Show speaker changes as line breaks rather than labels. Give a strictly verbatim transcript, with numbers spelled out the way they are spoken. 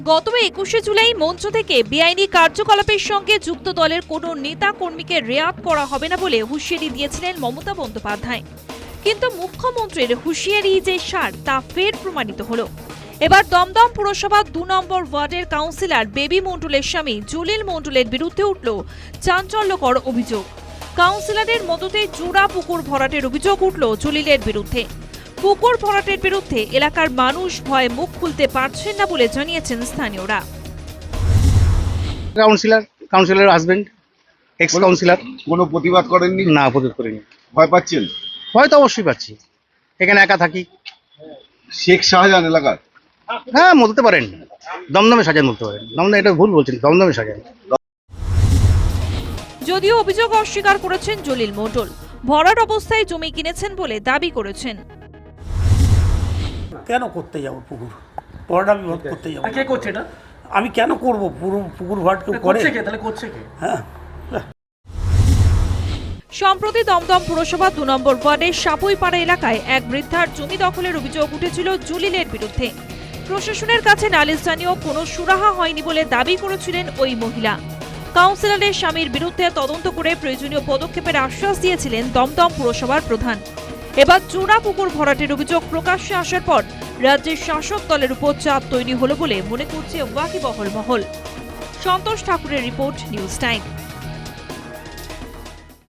গত একুশে জুলাই মঞ্চ থেকে বেআইনি কার্যকলাপের সঙ্গে যুক্ত দলের কোনো নেতা কর্মীকে রেয়াত করা হবে না বলে হুঁশিয়ারি দিয়েছিলেন মমতা বন্দ্যোপাধ্যায়। কিন্তু মুখ্যমন্ত্রীর হুঁশিয়ারি যে সার তা ফের প্রমাণিত হলো। এবার দমদম পুরসভা দু নম্বর ওয়ার্ডের কাউন্সিলর বেবি মণ্ডলের স্বামী জলিল মণ্ডলের বিরুদ্ধে উঠল চাঞ্চল্যকর অভিযোগ। কাউন্সিলরের মদতে জোড়া পুকুর ভরাটের অভিযোগ উঠল জলিলের বিরুদ্ধে। পুকুর ভরাটের বিরুদ্ধে এলাকার মানুষ ভয়ে মুখ খুলতে পারছেন না বলে জানিয়েছেন স্থানীয়রা।
Councillor councillor husband ex councillor
কোনো প্রতিবাদ করেননি?
না, প্রতিবাদ করিনি।
ভয় পাচ্ছেন?
ভয় তো অবশ্যই পাচ্ছি, এখানে একা থাকি।
শেখ শাহজাহান এলাকার?
হ্যাঁ, বলতে পারেন দমদমে সাজান বলতে পারেন। দমদম এটা ভুল বলছেন, দমদমে সাজান।
যদিও অভিযোগ অস্বীকার করেছেন জলিল মণ্ডল, ভরাট অবস্থায় জমি কিনেছেন বলে দাবি করেছেন।
কেন করতে যাব পুকুর ভরাট? আমি ভরাট করতে যাব?
কে করছে এটা?
আমি কেন করব? পুরো পুকুর ভরাট কেউ করে?
করছে কে? তাহলে করছে কে?
হ্যাঁ,
সম্প্রতি দমদম পুরসভা দু নম্বর ওয়ার্ডের সাপুইপাড়া এলাকায় এক বৃদ্ধার জমি দখলের অভিযোগ উঠেছিল জলিলের বিরুদ্ধে। প্রশাসনের কাছে নালিশ জানিয়েও কোনো সুরাহা হয়নি বলে দাবি করেছিলেন ওই মহিলা। কাউন্সিলরের স্বামীর বিরুদ্ধে তদন্ত করে প্রয়োজনীয় পদক্ষেপের আশ্বাস দিয়েছিলেন দমদম পুরসভার প্রধান। এবার জোড়া পুকুর ভরাটের অভিযোগ প্রকাশ্যে আসার পর রাজ্যের শাসক দলের উপর চাপ তৈরি হলো বলে মনে করছে ওয়াকিবহল মহল। সন্তোষ ঠাকুরের রিপোর্ট, নিউজ টাইম।